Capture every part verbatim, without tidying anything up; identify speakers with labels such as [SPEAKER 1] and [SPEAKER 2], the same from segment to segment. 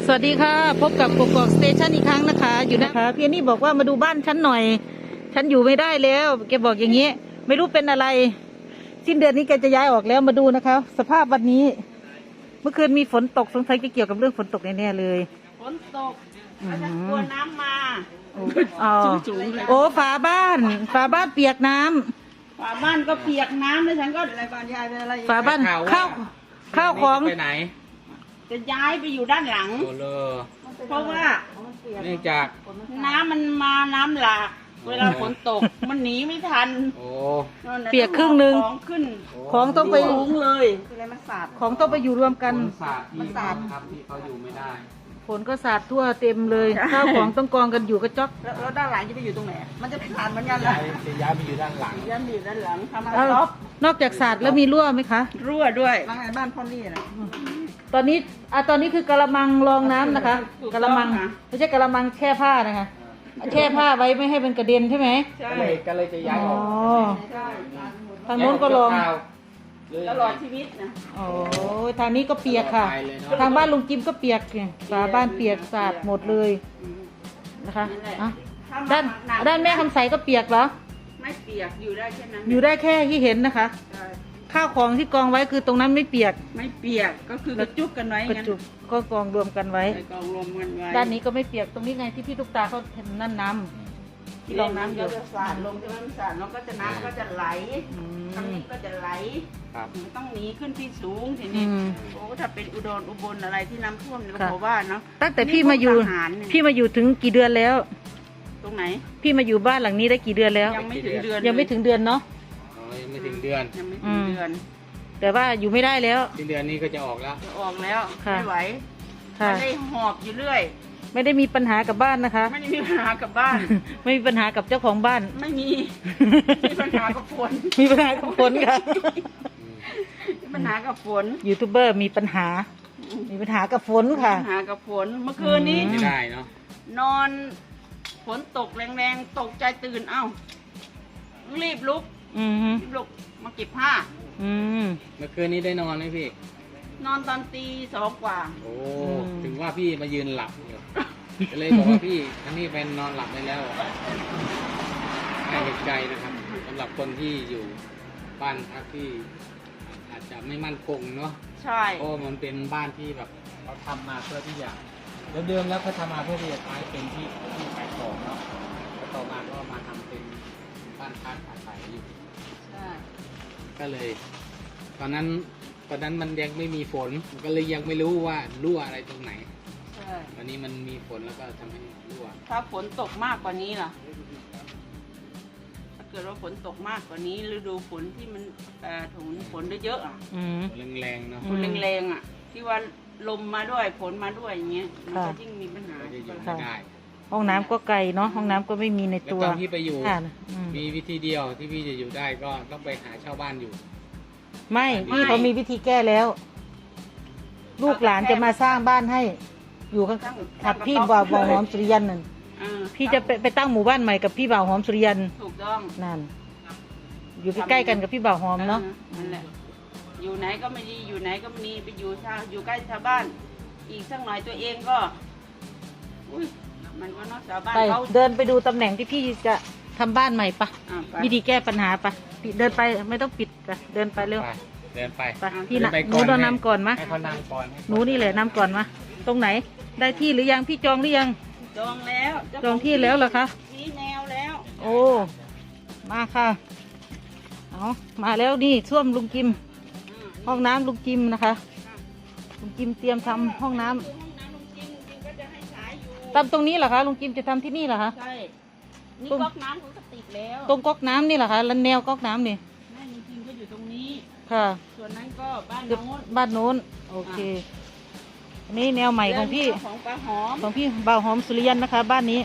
[SPEAKER 1] สวัสดีค่ะพบกับกกอกสเตชันอีกครั้งนะคะอยู่นะคะพี่นี่บอกว่ามาดูบ้านฉันหน่อยฉันอยู่ไม่ได้แล้วแกบอกอย่างนี้ไม่รู้เป็นอะไรสิ้นเดือนนี้แกจะย้ายออกแล้วมาดูนะคะสภาพวันนี้เมื่อคืนมีฝนตกสงสัยจะเกี่ยวกับเรื่องฝนตกแน่ๆเลย
[SPEAKER 2] ฝนตกแล้วฉันกลัวน้ำมา
[SPEAKER 1] อ๋อโอ้ฝาบ้านฝาบ้านเปียกน้ำ
[SPEAKER 2] ฝาบ้านก็เปียกน้ำแล้วฉันก็อะไรบ้านยายเป็นอะไร
[SPEAKER 1] ฝาบ้านข้าวข้าวของ
[SPEAKER 3] ไปไหน
[SPEAKER 2] จะย้ายไปอยู่ด้านหลังเพราะว่า
[SPEAKER 3] เนื่องจาก
[SPEAKER 2] น้ำมันมาน้ำหลากเวลาฝนตกมันหนีไม่ทัน
[SPEAKER 1] เปียกครึ่งนึง
[SPEAKER 2] ของขึ้น
[SPEAKER 1] ของต้องไป
[SPEAKER 2] สูงเลยอะไรมันสาด
[SPEAKER 1] ของต้องไปอยู่รวมกัน
[SPEAKER 3] มันสาดครับที่เขาอยู่ไม่ได้
[SPEAKER 1] ฝนก็สาดทั่วเต็มเลยข้าวของต้องกองกันอยู่กระจก
[SPEAKER 2] แล้วด้านหลังจะไปอยู่ตรงไหนมันจะไปสาดเหมือนกันเลย
[SPEAKER 3] จะย้ายไปอยู่ด้านหลัง
[SPEAKER 2] ย้ายไปอยู่ด้านหลังทำอะไรครับ
[SPEAKER 1] นอกจากสาดแล้วมีรั่วไหมคะ
[SPEAKER 2] รั่วด้วยบ้านบ้านพ่อนี่นะ
[SPEAKER 1] ตอนนี้อ่ะตอนนี้คือกระมังรองน้ำนะคะกระมังไม่ใช่กระมังแช่ผ้านะคะแช่ผ้าไว้ไม่ให้มันกระเด็นใช่ไหม
[SPEAKER 3] ใช่ก็เลยจะย้ายออก
[SPEAKER 1] ทางโน้นก็ลอง
[SPEAKER 2] ตลอดชีวิตนะ
[SPEAKER 1] โอ้ทางนี้ก็เปียกค่ะทางบ้านลุงจิมก็เปียกเนี่ยฝาบ้านเปียกสาดหมดเลยนะคะด้านด้านแม่คำใสก็เปียกเหรอ
[SPEAKER 2] ไม่เปียกอยู่ได้แค่นั้น
[SPEAKER 1] อยู่ได้แค่ที่เห็นนะคะข้าวของที่กองไว้คือตรงนั้นไม่เปียก
[SPEAKER 2] ไม่เปียกก็คือกระจุกกันไว้
[SPEAKER 1] กระจุกก็กองรวมกันไว้
[SPEAKER 2] กองรวมกันไว้
[SPEAKER 1] ด้านนี้ก็ไม่เปียกตรงนี้ไงที่พี่ตุ๊กตาเขาเห็นนั่นน้ำที่รองน้ำอยู่
[SPEAKER 2] จะสาดลงจะมันสาดแล้วก็จะน้ำก็จะไหลทางนี้ก็จะไหลต้องหนีขึ้นที่สูงทีนี้โอ้ถ้าเป็นอุดรอุบลอะไรที่น้ำท่วมเนี่ยเขาว่าเนาะ
[SPEAKER 1] ตั้งแต่พี่มาอยู่พี่มาอยู่ถึงกี่เดือนแล้ว
[SPEAKER 2] ตรงไหน
[SPEAKER 1] พี่มาอยู่บ้านหลังนี้ได้กี่เดือนแล้ว
[SPEAKER 2] ยังไม่ถึงเดือน
[SPEAKER 1] ยังไม่ถึงเดือนเนาะ
[SPEAKER 3] ยังไม่ถึงเดือน
[SPEAKER 2] ยังไม่ถึงเดือน
[SPEAKER 1] แต่ว่าอยู่ไม่ได้แล้ว
[SPEAKER 3] สิ้นเดือนนี้ก็จะออกแล้ว
[SPEAKER 2] จะออกแล้วไม่ไหวไม่ได้หอบอยู่เรื่อย
[SPEAKER 1] ไม่ได้มีปัญหากับบ้านนะคะ
[SPEAKER 2] ไม่ได้มีปัญหากับบ้าน
[SPEAKER 1] ไม่มีปัญหากับเจ้าของบ้าน
[SPEAKER 2] ไม่มีมีปัญหากับฝน
[SPEAKER 1] มีปัญหากับฝนค่ะ
[SPEAKER 2] มีปัญหากับฝน
[SPEAKER 1] ยูทูบเบอร์มีปัญหามีปัญหากับฝนค่ะ
[SPEAKER 2] ปัญหากับฝนเมื่อคืนนี้
[SPEAKER 3] ไม่ได้เนาะ
[SPEAKER 2] นอนฝนตกแรงๆตกใจตื่นเอ้ารีบลุกรีบลุกมาเก็บผ้า
[SPEAKER 3] เมื่อคืนนี้ได้นอนไหมพี่
[SPEAKER 2] นอนตอนตีสองกว่า
[SPEAKER 3] โอ้ถึงว่าพี่มายืนหลับอยู่ก็เลยบอกว่าพี่อันนี้เป็นนอนหลับได้แล้วให้เห็นใจนะครับสำหรับคนที่อยู่บ้านพักที่อาจจะไม่มั่นคงเนาะ
[SPEAKER 2] ใช่
[SPEAKER 3] เพราะมันเป็นบ้านที่แบบเขาทำมาเพื่อที่อยากเดิมๆแล้วเขาทำมาเพื่อที่จะใช้เป็นที่ที่ขายของเนาะแล้วต่อมาก็มาทำเป็นบ้านพักอาศัยอยู่
[SPEAKER 2] ใช่
[SPEAKER 3] ก็เลยตอนนั้นตอนนั้นมันยังไม่มีฝนก็เลยยังไม่รู้ว่ารั่วอะไรตรงไหน
[SPEAKER 2] ใช่
[SPEAKER 3] วันนี้มันมีฝนแล้วก็ทำให้รั่ว
[SPEAKER 2] ถ้าฝนตกมากกว่านี้ล่ะถ้าเกิดว่าฝนตกมากกว่านี้ฤดูฝนที่มันถุงฝนเยอะๆอ่ะ
[SPEAKER 3] แรงๆเนาะ
[SPEAKER 2] ฝนแรงๆอ่ะที่ว่าลมมาด้วยฝนมาด้วยอย่างเงี้ยมันก็ยิ่งมีปัญหา
[SPEAKER 3] ได้
[SPEAKER 1] ห้องน้ำก็ไกลเนาะห้องน้ำก็ไม่มีในตัว
[SPEAKER 3] ตอนที่ไปอยู่มีวิธีเดียวที่พี่จะอยู่ได้ก็ต้องไปหาเช่าบ้านอยู่
[SPEAKER 1] ไม่พี่เขามีวิธีแก้แล้วลูกหลานจะมาสร้างบ้านให้อยู่ข้างๆกับพี่บ่าวหอมสุริยันนั่นพี่จะไปไปตั้งหมู่บ้านใหม่กับพี่บ่าวหอมสุริยัน
[SPEAKER 2] ถูกต้อง
[SPEAKER 1] นั่นอยู่ใกล้ๆกันกับพี่บ่าวหอมเนาะ
[SPEAKER 2] นั่นแหละอยู่ไหนก็ไม่ดีอยู่ไหนก็ไม่ดีไปอยู่ชาวอยู่ใกล้ชาวบ้านอีกสักหน่อยตัวเองก็อุ้ยมันก็นอกชาวบ้านเขา
[SPEAKER 1] เดินไปดูตำแหน่งที่พี่จะทำบ้านใหม่ปะวิธีแก้ปัญหาปะเดินไปไม่ต้องปิดปะเดินไปเร็ว
[SPEAKER 3] เดินไป
[SPEAKER 1] พี่นะหนูต้องนำก่อนมะ
[SPEAKER 3] ให้เขานำก่อน
[SPEAKER 1] หนูนี่แหละนำก่อนมะตรงไหนได้ที่หรือยังพี่จองหรือยัง
[SPEAKER 2] จองแล้ว
[SPEAKER 1] จองที่แล้วเหรอคะ
[SPEAKER 2] ชี้แนวแล้ว
[SPEAKER 1] โอ้มาค่ะเอามาแล้วนี่ส้วมลุงจิมห้องน้ำลุงจิมนะคะลุงจิมเตรียมทำห้องน้ำทำตรงนี้เหรอคะลุงจิมจะทำที่นี่เหรอคะ
[SPEAKER 2] ใช่นี่ก๊อกน้ำเขาก็ติดแล้ว
[SPEAKER 1] ตรงก๊อกน้ำนี่เหรอคะแล้วแนวก๊อกน้ำนี่
[SPEAKER 2] แม่ลุงจิมก็อยู่ตรงนี้
[SPEAKER 1] ค่ะ
[SPEAKER 2] ส่วนนั้นก็บ้านโน้น
[SPEAKER 1] บ้านโน้นโอเคอันนี้แนวใหม่ของพี่
[SPEAKER 2] ของป้าหอม
[SPEAKER 1] ของพี่บ่าวหอมสุริยันนะคะบ้านนี้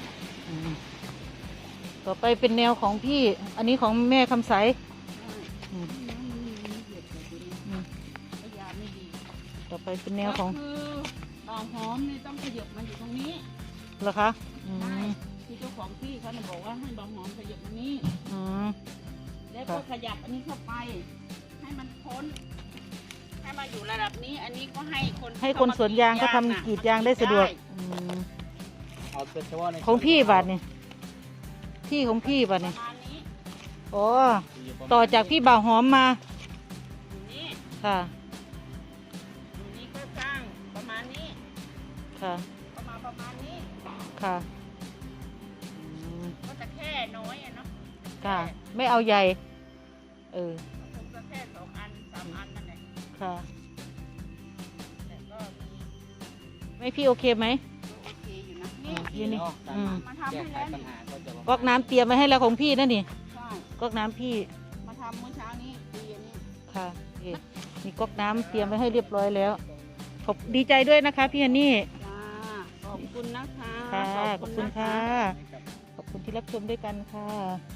[SPEAKER 1] ต่อไปเป็นแนวของพี่อันนี้ของแม่คำใสต่อไปเป็นแนวของ
[SPEAKER 2] บ่าวหอมนี่ต้องขยับมาอยู่ตรงนี้
[SPEAKER 1] เหรอคะ
[SPEAKER 2] ที่เจ้าของที่เขาบอกว่าให้บ่าวหอมขยับตรงนี้แล้วก็ขยับอันนี้เข้าไปให้มันพ้นถ้ามาอยู่ระดับนี้ อันนี้ก็ให้คน
[SPEAKER 1] ให้คนสวนยางเขาทำกรีดยางได้สะดวกอืม
[SPEAKER 3] เอาเฉพาะใน
[SPEAKER 1] ของพี่บาทนี่ที่ของพี่บาท
[SPEAKER 2] ป
[SPEAKER 1] นี่
[SPEAKER 2] ระมาณนี้
[SPEAKER 1] โอ้ต่อจากพี่บ่าวหอมมา
[SPEAKER 2] อยู่นี่
[SPEAKER 1] ค่ะ
[SPEAKER 2] อยู่นี่ก็สร้างประมาณนี้
[SPEAKER 1] ค่ะ
[SPEAKER 2] ประมาณประมาณนี้
[SPEAKER 1] ค่ะอืม
[SPEAKER 2] ก็จะแค่น้อยอะเนาะ
[SPEAKER 1] ค่ะ ไม่เอาใหญ่ เออ
[SPEAKER 2] คงจะแค่สองอันสามอันนั่นแหละ
[SPEAKER 1] ค่ะ
[SPEAKER 2] แต่ก็มี
[SPEAKER 1] ไม่พี่โอเคไหม
[SPEAKER 2] โอเคอยู่นะ
[SPEAKER 1] อื
[SPEAKER 2] นี่
[SPEAKER 1] ม นี่ อืม
[SPEAKER 2] มาทำ
[SPEAKER 3] แก้
[SPEAKER 2] ให้
[SPEAKER 3] ไข
[SPEAKER 2] แล้ว
[SPEAKER 3] ปัญ
[SPEAKER 2] นี่
[SPEAKER 3] หาก็จะ
[SPEAKER 1] ก๊อกน้ำเตรียมไว้ให้แล้วของพี่นั่นนี่
[SPEAKER 2] ใช่
[SPEAKER 1] ก๊อกน้ำพี่
[SPEAKER 2] มาทำเมื่อเช้านี้ตีอันนี้
[SPEAKER 1] ค่ะนี่มีก๊อกน้ำเตรียมไว้ให้เรียบร้อยแล้วขอบดีใจด้วยนะคะ พี่ฮันนี่
[SPEAKER 2] จ้าขอบคุณนะคะ
[SPEAKER 1] ค่ะ ขอบคุณ
[SPEAKER 2] น
[SPEAKER 1] ค่ะ ขอบคุณที่รับชมด้วยกันค่ะ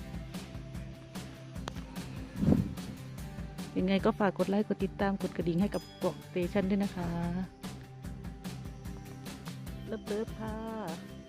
[SPEAKER 1] ยังไงก็ฝากกดไลค์ กดติดตาม กดกระดิ่งให้กับกล่องสเตชันด้วยนะคะ เลิฟๆค่ะ